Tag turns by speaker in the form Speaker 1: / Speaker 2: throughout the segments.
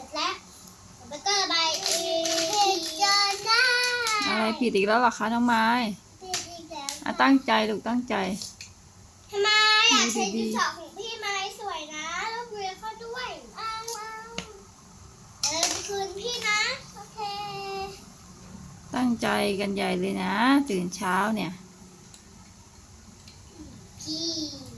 Speaker 1: จแล้วแล้วก็ระบายผิดจนได้
Speaker 2: อะไรผิดอีกแล้วเหรอคะน้องไม้
Speaker 1: ผิดอีกแล้ว
Speaker 2: ตั้งใจลูกตั้งใจ
Speaker 1: ทำไมอยากใช้ดินสอของพี่ไม้สวยนะแล้วเรียนเขาด้วยเอาไปคืนพี่นะโอเค
Speaker 2: ตั้งใจกันใหญ่เลยนะตื่นเช้าเนี่ย
Speaker 1: พี่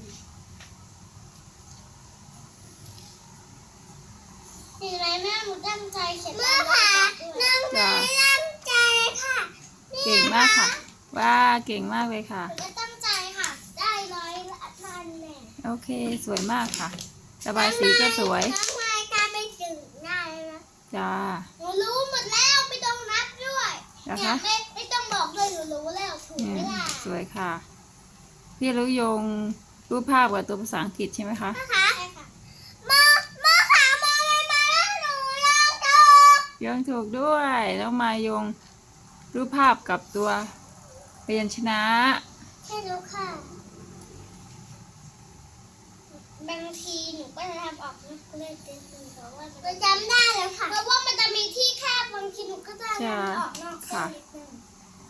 Speaker 1: ถึงไรแม่หนูตั้งใจเขียนมาค่ะน้องไม่ตั้งใจค่ะ
Speaker 2: เก่งมากค่ะว่าเก่งมากเลยค่ะ
Speaker 1: หนูก็ตั้งใจค่ะได้100 แน่
Speaker 2: โอเคสวยมากค่ะระบายสีก็สวย
Speaker 1: น้องไม้กลายเป็นจึงได้แล้ว
Speaker 2: จ้า
Speaker 1: หนูรู้หมดแล้วไม่ต้องนับด้วย
Speaker 2: นะคะ
Speaker 1: ไม่ต้องบอกด้วยหนูรู้แล้วถูกไหมล่ะ
Speaker 2: สวยค่ะพี่รู้โยงรูปภาพกับตัวภาษาอังกฤษใช่ไหมคะ
Speaker 1: ใช่ค่ะมขามอเลยมาแล้วหนู
Speaker 2: ยังถูกด้วยแล้วมาโยงรูปภาพกับตัวพยัญชนะ
Speaker 1: ใช่รู้ค่ะบางทีหนูก็จะทำออกนะเลยเต็มเพราะว่าจะจำได้แล้วค่ะเพราะว่ามันจะมีที่แคบบางทีหนูก็จะทำออกนอกเส้นนิดนึง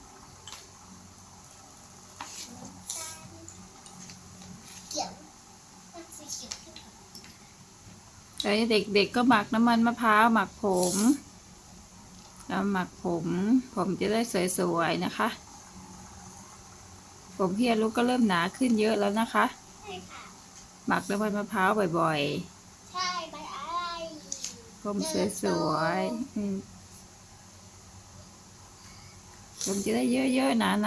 Speaker 1: เกี่ยวสีเขียว
Speaker 2: แล้วเด็กๆก็หมักน้ำมันมะพร้าวหมักผมแล้วหมักผมจะได้สวยๆนะคะผมพี่ลูกก็เริ่มหนาขึ้นเยอะแล้วนะคะ
Speaker 1: ใช่ค่ะ
Speaker 2: หมักน้ำมันมะพร้าวบ่อย
Speaker 1: ใช่ใบอะไร
Speaker 2: ผมสวยผมจะได้เยอะๆหนา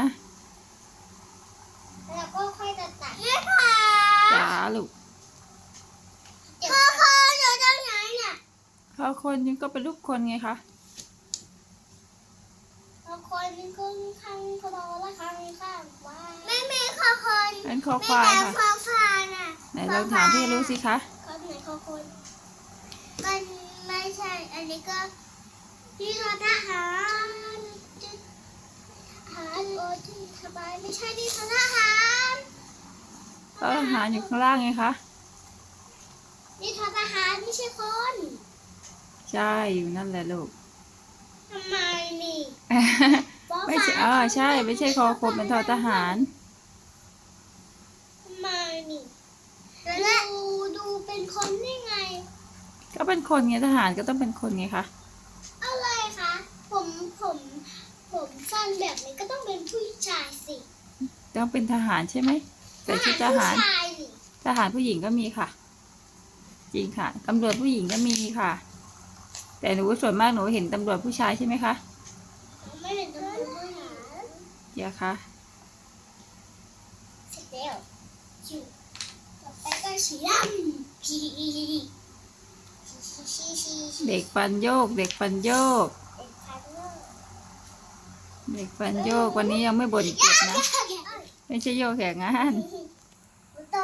Speaker 1: แล้วก็ค่อยตัด
Speaker 2: จ้าลูก
Speaker 1: พ่ออยู่ตรงไหนเนี่ย
Speaker 2: พอคนยังก็เป็นลูกคนไงคะ
Speaker 1: พ่อคนนึงครึ่งข้างคอและข้างว่าไม่คอคน
Speaker 2: เป็นคอควายค่ะ
Speaker 1: คอควายน่ะ
Speaker 2: ไหนเราถามพี่รู้สิคะ
Speaker 1: คนไหนคอคนก็ไม่ใช่อันนี้ก็พี่ทหารโอ้ที่สบายไม่ใช่ที่ทหาร
Speaker 2: ทหารอยู่ข้างล่างไงคะ
Speaker 1: นี่ทหารไม่ใช่คน
Speaker 2: ใช่อยู่นั่นแหละลูก
Speaker 1: ทำไมนี่
Speaker 2: ไม่ใช่ใช่ไม่ใช่คอคนเป็นทหาร
Speaker 1: ทำไมนี่แล้วดูเป็นคนได้ไง
Speaker 2: ก็เป็นคนไงทหารก็ต้องเป็นคนไงคะ
Speaker 1: อะไรคะผมสั้นแบบนี้ก็ต้องเป็นผู้ชายสิ
Speaker 2: ต้องเป็นทหารใช่ไหมแต่ชุดทหารทหารผู้หญิงก็มีค่ะจริงค่ะตำรวจผู้หญิงก็มีค่ะแต่หนูส่วนมากหนูเห็นตำรวจผู้ชายใช่ไหมคะ
Speaker 1: ไม่เห็นตำรวจผู้หญิง
Speaker 2: เดี๋ยวค่ะ
Speaker 1: เสร็จแล้วต่อไปก็สีดำ
Speaker 2: เด็กฟันโยกเด็กฟันโยกเด็กฟันโยกวันนี้ยังไม่บ่นเจ็บนะไม่ใช่โยกแข่งงาน
Speaker 1: ต่อ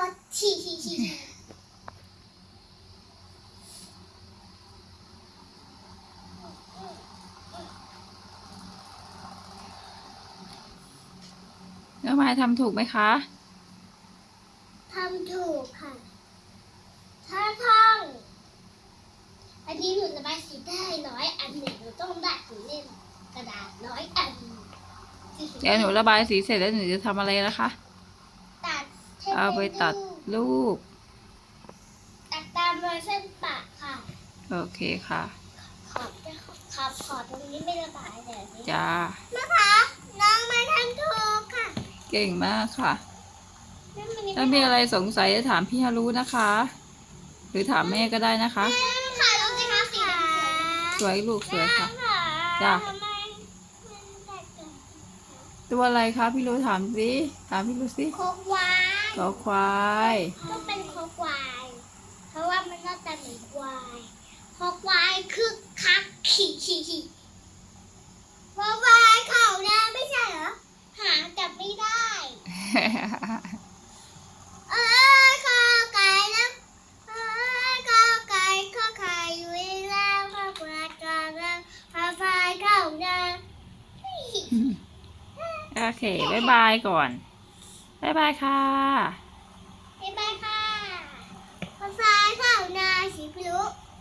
Speaker 2: แล้วมายทำถูกไหมคะ
Speaker 1: ทำถูกค่ะถ้าท่องอันนี้หนูระบายสีได้100 อันหนูต้องได้ถึงเล่มกระดาษ100 อัน
Speaker 2: เดี๋ยวหนูระบายสีเสร็จแล้วหนูจะทำอะไรนะคะ
Speaker 1: ตัด
Speaker 2: เอาไปตัดรูป
Speaker 1: ตัดตามรอยเส้นปะค่ะ
Speaker 2: โอเคค่ะ
Speaker 1: ขอบตรงนี้ไม่ระบายเลย
Speaker 2: จ้า
Speaker 1: นะคะน้องมาทำถูกค่ะ
Speaker 2: เก่งมากค่ะถ้ามีอะไรสงสัยจะถามพี่ฮารุนะคะ หรือถามแม่ก็ได้นะคะ
Speaker 1: ค่ะลงสิคะสี
Speaker 2: สวยลูกสวยค่ะจ้าตัวอะไรคะพี่รู้ถามสิถามพี่รู้สิ
Speaker 1: คอควาย
Speaker 2: คอควาย
Speaker 1: ต้องเป็นคอควายเพราะว่ามันน่าจะเหมือนควายคอควายคึกคักขี่คอควายเข่าได้ไม่ใช่เหรอหาจับไม่ได้คอไก่นะคอไก่ข้อไข่อยู่แล้วคอควายกองแล้วคอควายเข่าได้
Speaker 2: โอเคบ๊ายบายก่อนบ๊ายบายค่ะ
Speaker 1: บ๊ายบายค่ะคอควายเข่านาสีพลุ